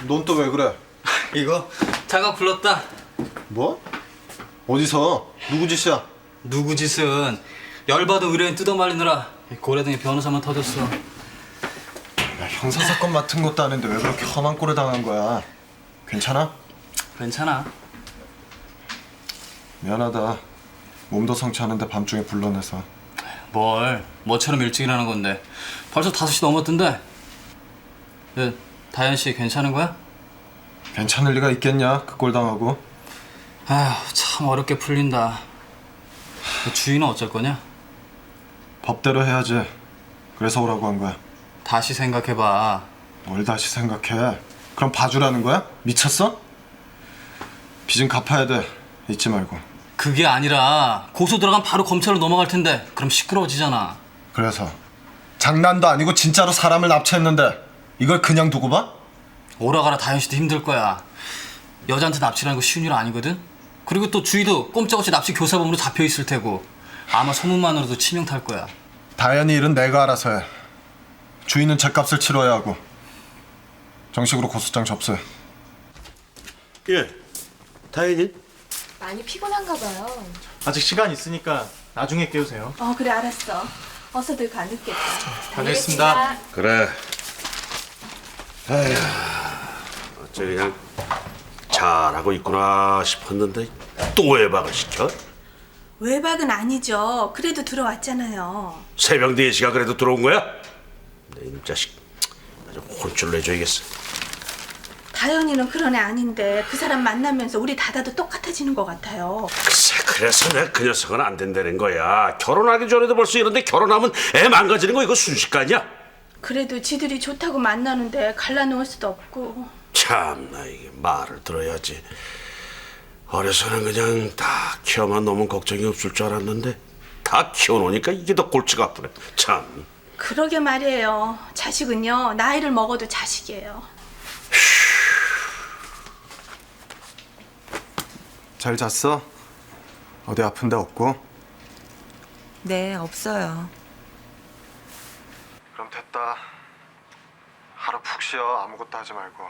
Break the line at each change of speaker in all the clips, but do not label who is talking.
넌 또 왜 그래?
이거 자가 불렀다.
뭐? 어디서? 누구 짓이야?
누구 짓은 열받은 의뢰인 뜯어말리느라 고래등에 변호사만 터졌어.
야, 형사사건 맡은 것도 아닌데 왜 그렇게 험한 꼴을 당한 거야? 괜찮아?
괜찮아.
미안하다. 몸도 성취하는데 밤중에 불러내서.
뭘 뭐처럼 일찍 일하는 건데 벌써 5시 넘었던데. 다현 씨 괜찮은 거야?
괜찮을 리가 있겠냐? 그 꼴 당하고.
아휴 참 어렵게 풀린다. 주인은 어쩔 거냐?
법대로 해야지. 그래서 오라고 한 거야.
다시 생각해봐.
뭘 다시 생각해? 그럼 봐주라는 거야? 미쳤어? 빚은 갚아야 돼. 잊지 말고.
그게 아니라 고소 들어가면 바로 검찰로 넘어갈 텐데 그럼 시끄러워지잖아.
그래서 장난도 아니고 진짜로 사람을 납치했는데 이걸 그냥 두고 봐?
오라가라 다현 씨도 힘들 거야. 여자한테 납치라는 거 쉬운 일 아니거든? 그리고 또 주희도 꼼짝없이 납치 교사범으로 잡혀 있을 테고 아마 소문만으로도 치명 탈 거야.
다현이 일은 내가 알아서 해. 주인은 죗값을 치러야 하고. 정식으로 고소장 접수해.
예, 다현이?
많이 피곤한가 봐요.
아직 시간 있으니까 나중에 깨우세요.
그래 알았어. 어서들 가 늦겠다.
다녀오겠습니다.
그래. 에휴, 어째 그냥 잘하고 있구나 싶었는데 또 외박을 시켜?
외박은 아니죠. 그래도 들어왔잖아요.
새벽 4시가 그래도 들어온 거야? 내 이놈 자식 아주 혼쭐 내줘야겠어.
다현이는 그런 애 아닌데 그 사람 만나면서 우리 다다도 똑같아지는 것 같아요.
글쎄, 그래서 내가 그 녀석은 안 된다는 거야. 결혼하기 전에도 벌써 이런데 결혼하면 애 망가지는 거 이거 순식간이야?
그래도 지들이 좋다고 만나는데 갈라놓을 수도 없고.
참나 이게 말을 들어야지. 어려서는 그냥 다 키워만 놓으면 걱정이 없을 줄 알았는데 다 키워놓으니까 이게 더 골치가 아프네. 참.
그러게 말이에요. 자식은요 나이를 먹어도 자식이에요.
잘 잤어? 어디 아픈 데 없고?
네, 없어요.
그럼 됐다. 하루 푹 쉬어. 아무것도 하지 말고.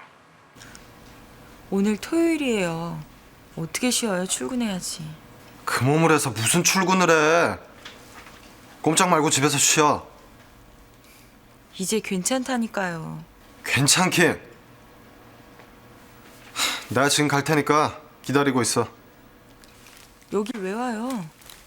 오늘 토요일이에요. 어떻게 쉬어요? 출근해야지.
그 몸을 해서 무슨 출근을 해. 꼼짝 말고 집에서 쉬어.
이제 괜찮다니까요.
괜찮긴. 내가 지금 갈 테니까 기다리고 있어.
여길 왜 와요?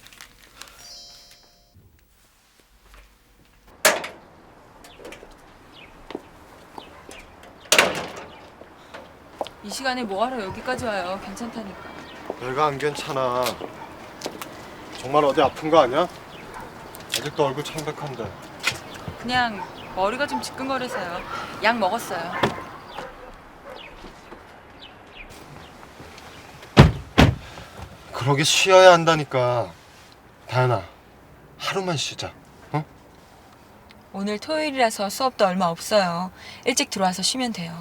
이 시간에 뭐하러 여기까지 와요? 괜찮다니까.
내가 안 괜찮아. 정말 어디 아픈 거 아니야? 아직도 얼굴 창백한데.
그냥 머리가 좀 지끈거려서요. 약 먹었어요.
그러게 쉬어야 한다니까. 다현아, 하루만 쉬자. 어?
오늘 토요일이라서 수업도 얼마 없어요. 일찍 들어와서 쉬면 돼요.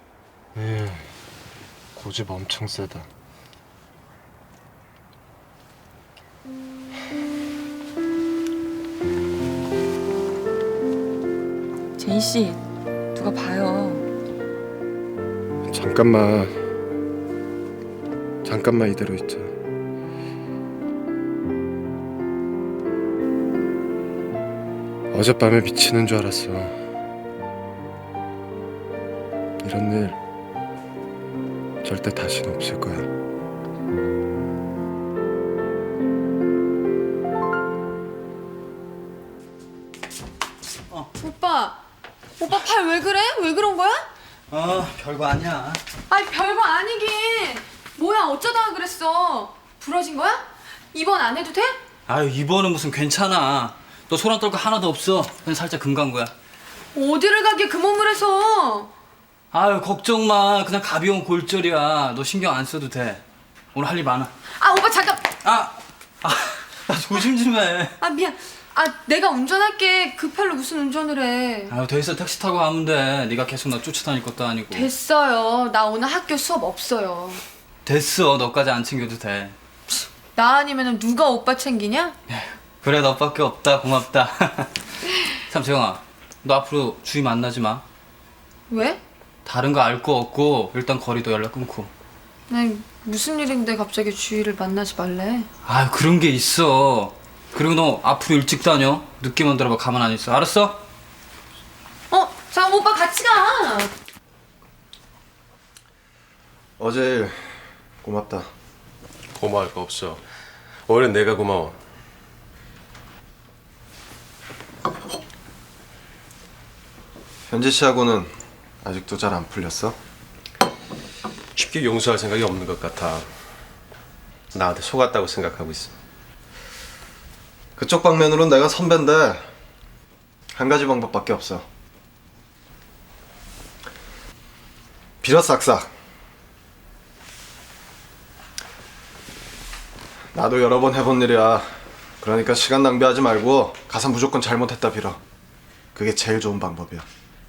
고집 엄청 세다.
제이 씨, 누가 봐요.
잠깐만 이대로 있자. 어젯밤에 미치는 줄 알았어. 이런 일 절대 다시는 없을 거야.
오빠 팔 왜 그래? 왜 그런 거야?
별거 아니야.
아니 별거 아니긴. 뭐야 어쩌다가 그랬어? 부러진 거야? 입원 안 해도 돼?
아유 이번은 무슨 괜찮아. 너 소란 떨 거 하나도 없어. 그냥 살짝 금 간 거야.
어디를 가게 그 몸을 해서.
아유 걱정 마. 그냥 가벼운 골절이야. 너 신경 안 써도 돼. 오늘 할 일 많아.
아 오빠 잠깐.
조심 좀 해.
아 미안. 아 내가 운전할게. 그 팔로 무슨 운전을 해.
아유 됐어. 택시 타고 가면 돼. 네가 계속 나 쫓아다닐 것도 아니고.
됐어요. 나 오늘 학교 수업 없어요.
됐어. 너까지 안 챙겨도 돼.
나 아니면 누가 오빠 챙기냐?
그래 너밖에 없다. 고맙다. 참 재영아. 너 앞으로 주희 만나지 마.
왜?
다른 거 알 거 없고 일단 거리도 연락 끊고.
아니 무슨 일인데 갑자기 주희를 만나지 말래?
아 그런 게 있어. 그리고 너 앞으로 일찍 다녀. 늦게만 들어봐 가만 안 있어. 알았어?
잠깐 오빠 같이 가.
어제 일 고맙다.
고마울 거 없어. 오히려 내가 고마워.
현지 씨하고는 아직도 잘 안 풀렸어?
쉽게 용서할 생각이 없는 것 같아. 나한테 속았다고 생각하고 있어.
그쪽 방면으로는 내가 선배인데 한 가지 방법밖에 없어. 빌어 싹싹. 나도 여러 번 해본 일이야. 그러니까 시간 낭비하지 말고 가서 무조건 잘못했다 빌어. 그게 제일 좋은 방법이야.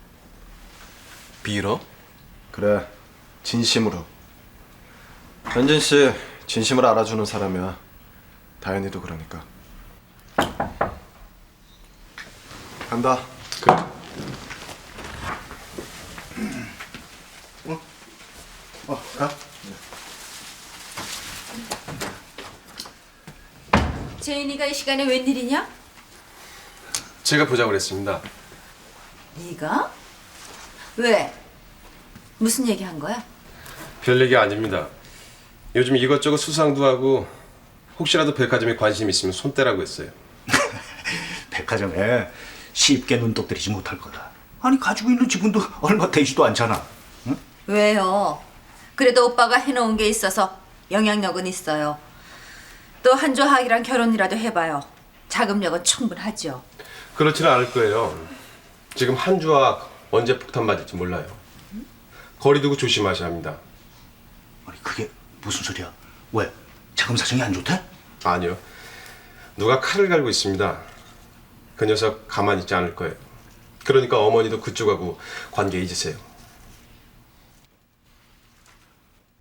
빌어?
그래, 진심으로. 현진 씨 진심을 알아주는 사람이야. 다현이도 그러니까. 간다.
그래.
가.
재인이가 이 시간에 웬일이냐?
제가 보자고 그랬습니다.
네가? 왜? 무슨 얘기 한 거야?
별 얘기 아닙니다. 요즘 이것저것 수상도 하고 혹시라도 백화점에 관심 있으면 손 떼라고 했어요.
백화점에 쉽게 눈독 들이지 못할 거다. 아니 가지고 있는 지분도 얼마 되지도 않잖아. 응?
왜요? 그래도 오빠가 해놓은 게 있어서 영향력은 있어요. 또 한조학이랑 결혼이라도 해봐요. 자금력은 충분하죠.
그렇지는 않을 거예요. 지금 한주와 언제 폭탄 맞을지 몰라요. 거리 두고 조심하셔야 합니다.
아니 그게 무슨 소리야? 왜? 자금 사정이 안 좋대?
아니요. 누가 칼을 갈고 있습니다. 그 녀석 가만히 있지 않을 거예요. 그러니까 어머니도 그쪽하고 관계 잊으세요.